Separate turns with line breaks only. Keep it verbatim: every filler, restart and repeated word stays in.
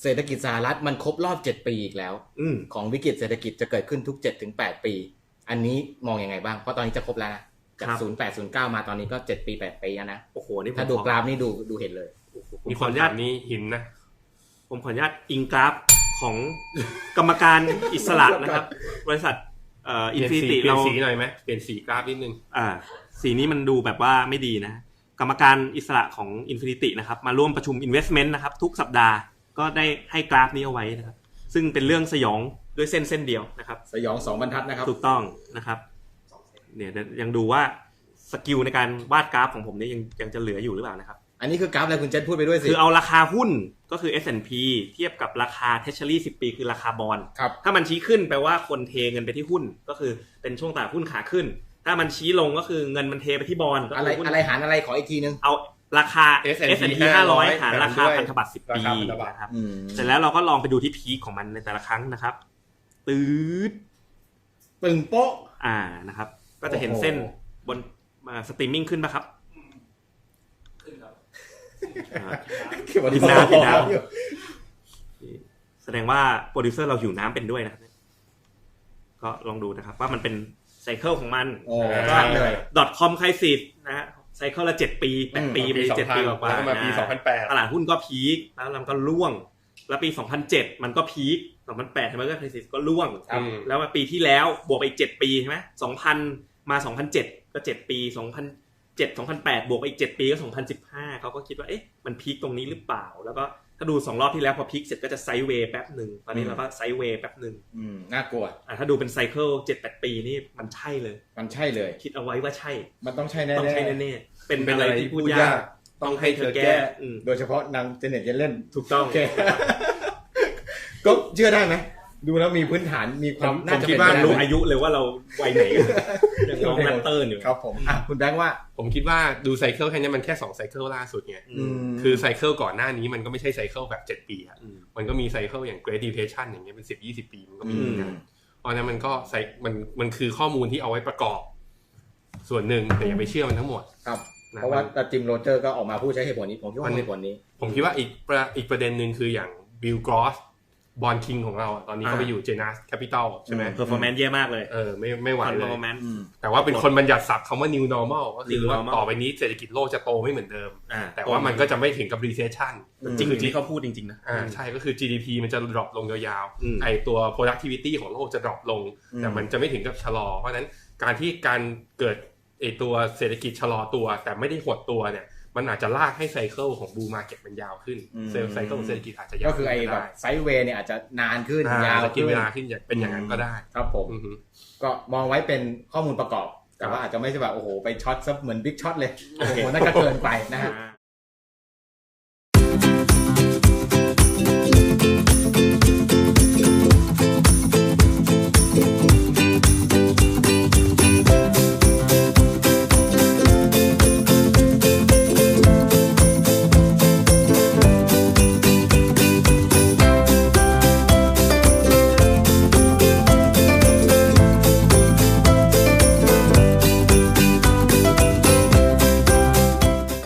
เศรษฐกิจสหรัฐมันครบรอบเจ็ดปีอีกแล้วของวิกฤตเศรษฐกิจจะเกิดขึ้นทุก เจ็ดถึงแปด ปีอันนี้มองยังไงบ้างเพราะตอนนี้จะครบแล้วนะจากศูนย์แปด ศูนย์เก้ามาตอนนี้ก็เจ็ดปีแปดปีแล้วนะโอ้โหนี่ถ้าดูกราฟนี่ดูดูเห็นเลย
มีขออนุญาตนี้หินนะผมขออนุญาตอิงกราฟของกรรมการอิสระนะครับบริษัทเอ่ออินฟินิตี้เราเปลี่ยนสีหน่อยมั้ยเปลี่ยนสีกราฟนิดนึงอ่าสีนี้มันดูแบบว่าไม่ดีนะกรรมการอิสระของ Infinity นะครับมาร่วมประชุม Investment นะครับทุกสัปดาห์ก็ได้ให้กราฟนี้เอาไว้นะครับซึ่งเป็นเรื่องสยองด้วยเส้นเส้นเดียวนะครับ
สยองสองบรรทัดนะครับ
ถูกต้องนะครับเนี่ยยังดูว่าสกิลในการวาดกราฟของผมนี่ยังยังจะเหลืออยู่หรือเปล่านะครับ
อันนี้คือกราฟอะไรคุณเจษพูดไปด้วยสิ
คือเอาราคาหุ้นก็คือ เอส แอนด์ พี เทียบกับราคา Treasury สิบปีคือราคาบอนด์ถ้ามันชี้ขึ้นแปลว่าคนเทเงินไปที่หุ้นก็คือเป็นช่วงตลาดหุ้นขาขึ้นถ้ามันชี้ลงก็คือเงินมันเทไปที่บอนด์
อะไรอะไรหารอะไรขออีกทีนึง
เอาราคา เอส แอนด์ พี ห้าร้อยหารราคาพันธบัตรสิบปีนะครับเสร็จแล้วเราก็ลองไปดูที่พีคของมันในแต่ละครั้งนะครับตืด
ปึ่งโป๊ะ
อ่านะครับก็จะเห็นเส้นบนมาสตรีมมิ่งขึ้นป่ะครับขึ้นครับดินน้ำดินน้ำแสดงว่าโปรดิวเซอร์เราหิวน้ำเป็นด้วยนะครับก็ลองดูนะครับว่ามันเป็นไซเคิลของมัน
ชัดเลย
.com ใครสิทธิ์นะฮะไซเคิลละเจ็ดปีแปดปีไปเจ็ดปีกว่า
แล้วมาปีสองพันแปด
ตลาดหุ้นก็พีคแล้วมันก็ร่วงแล้วปีสองพันเจ็ดมันก็พีคสองพันแปดมันก็ไครซิสก็ร่วงแล้วมาปีที่แล้วบวกไปอีกเจ็ดปีใช่มั้ยสองพันมาสองพันเจ็ดก็เจ็ดปีสองพันเจ็ด สองพันแปดบวกไปอีกเจ็ดปีก็สองพันสิบห้าเขาก็คิดว่าเอ๊ะมันพีคตรงนี้หรือเปล่าแล้วก็ถ้าดูสองรอบที่แล้วพอพีคเสร็จก็จะไซด์เวย์แป๊บนึงตอนนี้เราก็ไซด์เวย์แป๊บนึง
อืมน่ากลัว
อ่ะถ้าดูเป็นไซเคิล เจ็ดแปด ปีนี่มันใช่เลย
มันใช่เลย
คิดเอาไว้ว่าใช่
มันต้องใช่แน่ๆ
ต้องใช่แน่ๆเป็นอะไรที่พูดยากต้องให้เธอแก้
โดยเฉพาะนางเจเน็ตเล่น
ถูกต้อง
ก็เชื่อได้ไหมดูแล้วมีพื้นฐานมีความ
น่าจะเป็นไปได้รู้อายุเลยว่าเราวัยไหนยังน้องแรปเตอร์อยู่
ครับผมอ่ะคุณแบงค์ว่า
ผมคิดว่าดูไซเคิลแค่นี้มันแค่สองไซเคิลล่าสุดไงคือไซเคิลก่อนหน้านี้มันก็ไม่ใช่ไซเคิลแบบเจ็ดปีอ่ะมันก็มีไซเคิลอย่าง Great Depression อย่างเงี้ยเป็นสิบ ยี่สิบปีมันก็มีเหมือนกันเพราะฉะนั้นมันก็ไซมันมันคือข้อมูลที่เอาไว้ประกอบส่วนหนึ่งแต่อย่าไปเชื่อมันทั้งหมด
ครับเพราะว่าจิมโรเจอร์ก็ออกมาพูดใช้เหตุผลนี้ผมคิดว่าเหตุผลนี้
ผมคิดว่าอีกอีกประเด็นนึงคืออย่างบิลกรอสบอนด์คิงของเราตอนนี้เขาไปอยู่ Janus Capital ใช่มั้ย
performance แย่มากเลย
เออไม่ไม่ไหวเลยแต่ว่าเป็นคนบัญญัติศัพท์คำว่า new normal ก็คือว่าต่อไปนี้เศรษฐกิจโลกจะโตไม่เหมือนเดิมแต่ว่ามันก็จะไม่ถึงกับ recession
จริงๆที่เขาพูดจริงๆนะ
อ่าใช่ก็คือ จี ดี พี มันจะ drop ลงยาวๆไอ้ตัว productivity ของโลกจะ drop ลงแต่มันจะไม่ถึงกับชะลอเพราะฉะนั้นการที่การเกิดไอ้ตัวเศรษฐกิจชะลอตัวแต่ไม่ได้หดตัวเนี่ยมันอาจจะลากให้ไซเคิลของบูมมาร์เก็ตมันยาวขึ้นเซลล์ไซเคิลของเศรษฐกิจอาจจะยาว
ก็คือไอ้แบบไซด์เวย์เนี่ยอาจจะนานขึ้นยาว
ขึ้นเวลาขึ้นเป็นอย่างนั้นก็ได้
ครับผมก็มองไว้เป็นข้อมูลประกอบแต่ว่าอาจจะไม่ใช่แบบโอ้โหไปช็อตซะเหมือนบิ๊กช็อตเลยโอ้โหนั่นก็เกินไปนะฮะ